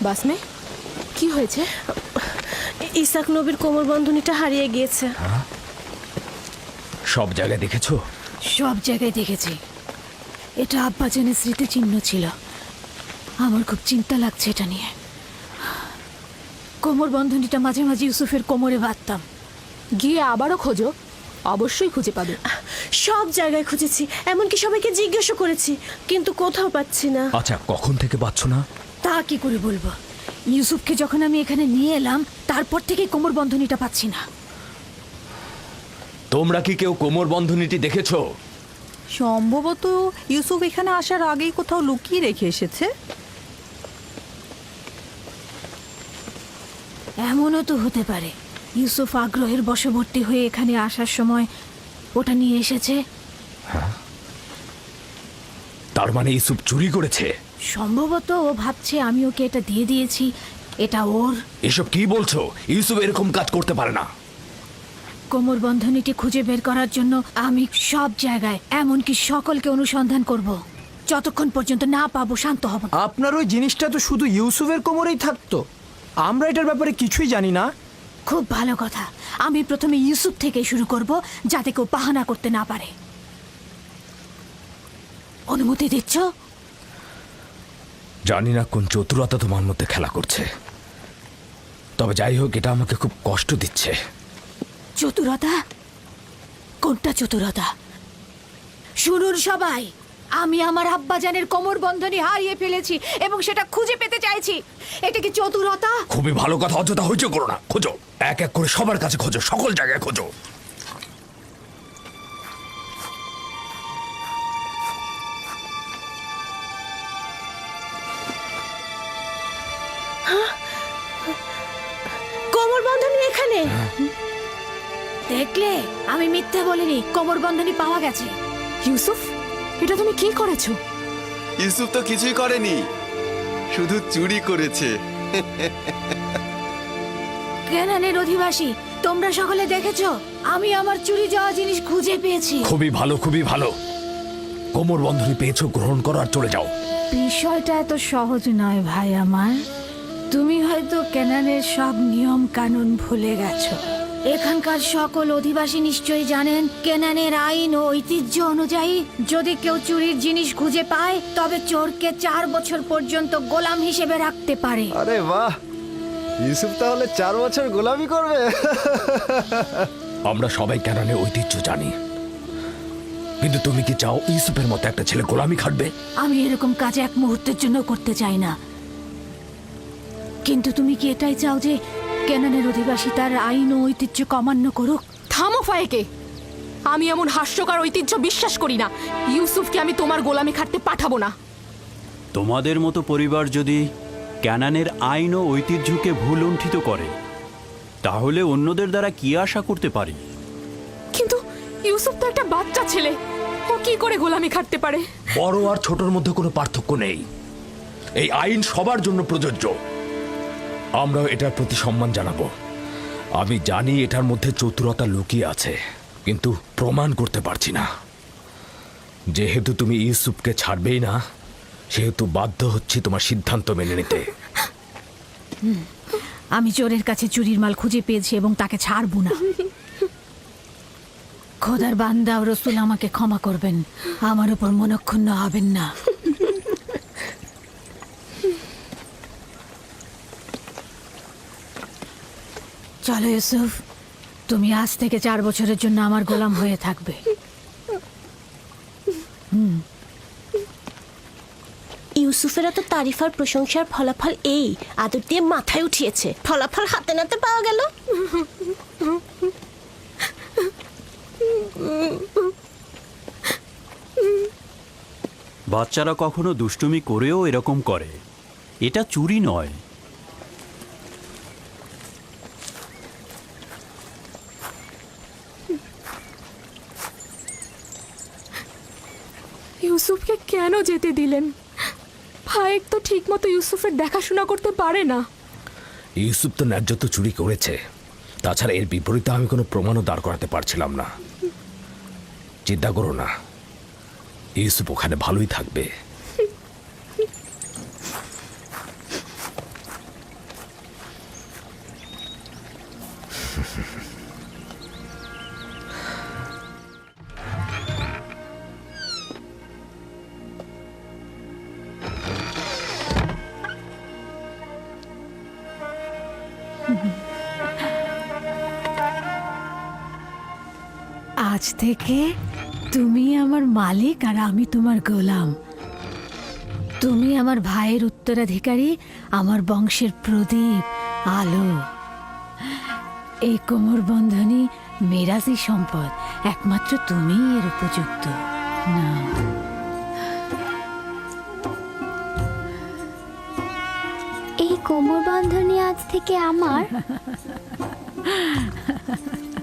বাসমে কি হয়েছে? ইসাক নবীর কোমর বন্ধনীটা হারিয়ে গিয়েছে। সব জায়গায় দেখেছো? সব জায়গায় দেখেছি। এটা আব্বাজানের স্মৃতিচিহ্ন ছিল। আমার খুব চিন্তা লাগছে এটা নিয়ে। কোমর বন্ধনীটা মাঝে মাঝে ইউসুফের কোমরে বাঁধতাম। গিয়ে আবারও খোঁজো, অবশ্যই খুঁজে পাবে। সব জায়গায় খুঁজেছি, এমনকি সবাইকে জিজ্ঞাসা করেছি, কিন্তু কোথাও পাচ্ছি না। আচ্ছা, কখন থেকে পাচ্ছ না? তা কি করে বলবো? ইউসুফকে যখন আমি এখানে নিয়ে এলাম তারপর থেকে কোমর বন্ধনীটা পাচ্ছি না। তোমরা কি কেউ কোমর বন্ধনীটি দেখেছো? সম্ভবত ইউসুফ এখানে আসার আগেই কোথাও লুকিয়ে রেখে এসেছে। এমনও তো হতে পারে ইউসুফ আগ্রহের বশবর্তী হয়ে এখানে আসার সময় ওটা নিয়ে এসেছে। তার মানে ইউসুফ চুরি করেছে? সম্ভবত ও ভাবছে আমি ওকে এটা দিয়ে দিয়েছি, এটা ওর। এসব কি বলছো? ইউসুফ এরকম কাজ করতে পারে না। কোমর বন্ধনীটি খুঁজে বের করার জন্য আমি সব জায়গায়, এমনকি সকলকে অনুসন্ধান করব। যতক্ষণ পর্যন্ত না পাবো শান্ত হব না। আপনার ওই জিনিসটা তো শুধু ইউসুফের কোমরেই থাকতো, আমরা এটার ব্যাপারে কিছুই জানি না। খুব ভালো কথা। আমি প্রথমে ইউসুফ থেকে শুরু করব, যাতে কেউ বাহানা করতে না পারে। অনুমতি দিচ্ছ? জানি না কোন চতুরতা তোমার মধ্যে খেলা করছে, তবে যাই হোক, এটা আমাকে খুব কষ্ট দিচ্ছে। চতুরতা? কোনটা চতুরতা? শুনুন সবাই, আমি আমার আব্বাজানের কোমর বন্ধনী হারিয়ে ফেলেছি এবং সেটা খুঁজে পেতে চাইছি। এটা কি চতুরতা? খুবই ভালো কথা, অযথা হইচই করো না। খোঁজো, এক এক করে সবার কাছে খোঁজো, সকল জায়গায় খোঁজো। কোমর বন্ধনী এখানে। দেখলে, আমি মিথ্যে বলিনি। কোমর বন্ধনী পাওয়া গেছে। ইউসুফ, এটা তুমি কি করেছো? ইউসুফ তো কিছুই করেনি, শুধু চুরি করেছে। কেনানের অধিবাসী, তোমরা সকলে দেখেছো আমি আমার চুরি যাওয়া জিনিস খুঁজে পেয়েছি। খুবই ভালো, খুবই ভালো। কোমর বন্ধনী পেয়েছো, গ্রহণ করো আর চলে যাও। বিষয়টা এত সহজ নয় ভাই আমার। তুমি হয়তো কেনানের সব নিয়ম কানুন ভুলে গেছো। এখানকার সকল অধিবাসী নিশ্চয়ই জানেন কেনানের আইন ও ঐতিহ্য অনুযায়ী যদি কেউ চুরির জিনিস খুঁজে পায় তবে চোরকে 4 বছর পর্যন্ত গোলাম হিসেবে রাখতে পারে। আরে বাহ, ইউসুফ তাহলে 4 বছর গোলামি করবে। আমরা সবাই কেনানের ঐতিহ্য জানি, কিন্তু তুমি কি চাও ইউসুফের মতো একটা ছেলে গোলামি খাটবে? আমি এরকম কাজ এক মুহূর্তের জন্য করতে চাই না। কিন্তু তুমি কি এটাই চাও যে কেনানের অধিবাসী তার আইন ও ঐতিহ্য অমান্য করুক? থামো ফায়েকে, আমি এমন হাস্যকর ঐতিহ্য বিশ্বাস করি না। ইউসুফকে আমি তোমার গোলামি খাটতে পাঠাবো না। তোমাদের মতো পরিবার যদি ক্যানানের আইন ও ঐতিহ্যকে ভুল লুণ্ঠিত করে, তাহলে অন্যদের দ্বারা কি আশা করতে পারি? কিন্তু ইউসুফ তো একটা বাচ্চা ছেলে, ও কি করে গোলামি খাটতে পারে? বড় আর ছোটর মধ্যে কোনো পার্থক্য নেই। এই আইন সবার জন্য প্রযোজ্য। আমরাও এটার প্রতি সম্মান জানাবো। আমি জানি এটার মধ্যে চতুরতা লুকিয়ে আছে, কিন্তু প্রমাণ করতে পারছি না। যেহেতু তুমি ইউসুফকে ছাড়বেই না, সেহেতু বাধ্য হচ্ছি তোমার সিদ্ধান্ত মেনে নিতে। আমি চোরের কাছে চুরির মাল খুঁজে পেয়েছি এবং তাকে ছাড়বো না। খোদার বান্দা ও রসুল আমাকে ক্ষমা করবেন, আমার উপর মনক্ষুণ্ণ হবেন না। চলো ইউসুফ, তুমি আজ থেকে 4 বছরের জন্য আমার গোলাম হয়ে থাকবে। ইউসুফের এত তারিফার প্রশংসার ফলাফল এই আদর দিয়ে মাথায় উঠিয়েছে। ফলাফল হাতে নাতে পাওয়া গেল। বাচ্চারা কখনো দুষ্টুমি করেও এরকম করে, এটা চুরি নয়। ইউসুফকে কেন যেতে দিলেন? ফায়েক তো ঠিক মতো ইউসুফের দেখাশোনা করতে পারে না। ইউসুফ তো ন্যায্য তো চুরি করেছে, তাছাড়া এর বিপরীতে আমি কোনো প্রমাণও দাঁড় করাতে পারছিলাম না। চিন্তা করো না, ইউসুফ ওখানে ভালোই থাকবে। আজ থেকে তুমি আমার মালিক আর আমি তোমার গোলাম। তুমি আমার ভাইয়ের উত্তরাধিকারী, আমার বংশের প্রদীপ, আলো। এই কোমর বন্ধনী মেরাজি সম্পদ, একমাত্র তুমিই এর উপযুক্ত। না, এই কোমর বন্ধনী আজ থেকে আমার।